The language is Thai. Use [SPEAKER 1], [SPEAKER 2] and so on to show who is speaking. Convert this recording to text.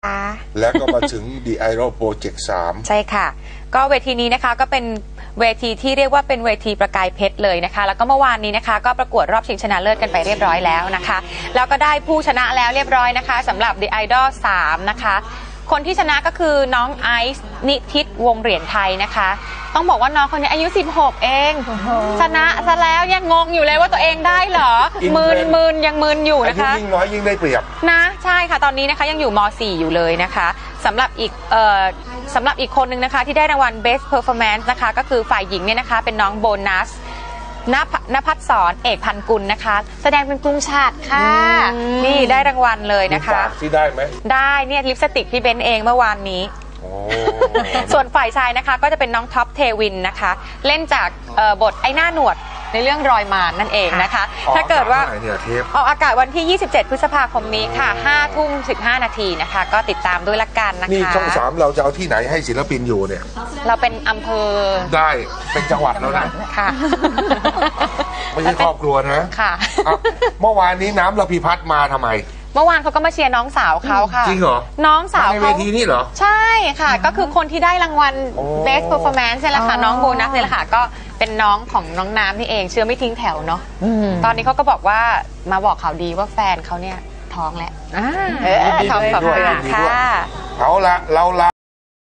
[SPEAKER 1] แล้วก็มาถึง The Idol Project 3
[SPEAKER 2] ใช่ค่ะก็เวทีนี้นะคะก็เป็นเวทีที่เรียกว่าเป็นเวทีประกายเพชรเลยนะคะแล้วก็เมื่อวานนี้นะคะก็ประกวดรอบชิงชนะเลิศกันไปเรียบร้อยแล้วนะคะแล้วก็ได้ผู้ชนะแล้วเรียบร้อยนะคะสำหรับ The Idol 3นะคะคนที่ชนะก็คือน้องไอซ์นิทิตวงเหรียญไทยนะคะต้องบอกว่าน้องคนนี้อายุ16เองชนะซะแล้วยังงงอยู่เลยว่าตัวเองได้เหรอมืนยังมืนอยู่นะคะ
[SPEAKER 1] ยิ่งน้อยยิ่งได้เปรียบ
[SPEAKER 2] นะใช่ค่ะตอนนี้นะคะยังอยู่ม.4 อยู่เลยนะคะสำหรับอีกคนนึงนะคะที่ได้รางวัล Best Performance นะคะก็คือฝ่ายหญิงเนี่ยนะคะเป็นน้องโบนัสณภัทรสอนเอกพันกุลนะคะแสดงเป็นกรุงชาติค่ะนี่ได้รางวัลเลยนะคะ
[SPEAKER 1] ที่ได้ไหม
[SPEAKER 2] ได้เนี่ยลิปสติกพี่เบนเองเมื่อวานนี้ส่วนฝ่ายชายนะคะก็จะเป็นน้องท็อปเทวินนะคะเล่นจากบทไอ้หน้าหนวดในเรื่องรอยมารนั่นเองนะคะถ้าเกิดว่าออกอากาศวันที่ 27 พฤษภาคมนี้ค่ะ 5:15 นาทีนะคะก็ติดตามด้วยละกันนะคะ
[SPEAKER 1] นี่ช่อง 3เราจะเอาที่ไหนให้ศิลปินอยู่เนี่ย
[SPEAKER 2] เราเป็นอำเภอ
[SPEAKER 1] ได้เป็นจังหวัดแล้วนะ
[SPEAKER 2] ค่ะ
[SPEAKER 1] ไม่ใช่ครอบครัวนะ
[SPEAKER 2] ค่ะ
[SPEAKER 1] เมื่อวานนี้น้ำระพีพัฒน์มาทำไม
[SPEAKER 2] เมื่อวานเขาก็มาเชียร์น้องสาวเขาค่ะ
[SPEAKER 1] จริงเหรอ
[SPEAKER 2] น้องสาว
[SPEAKER 1] ในเวทีนี่เหรอ
[SPEAKER 2] ใช่ค่ะก็คือคนที่ได้รางวัล Best Performance นี่แหละค่ะน้องโบนัสนี่แหละค่ะก็เป็นน้องของน้องน้ำนี่เองเชื่อไม่ทิ้งแถวเนาะตอนนี้เขาก็บอกว่ามาบอกข่าวดีว่าแฟนเขาเนี่ยท้องแล้วท้อง2 เดือนค่ะ
[SPEAKER 1] เอาละเรา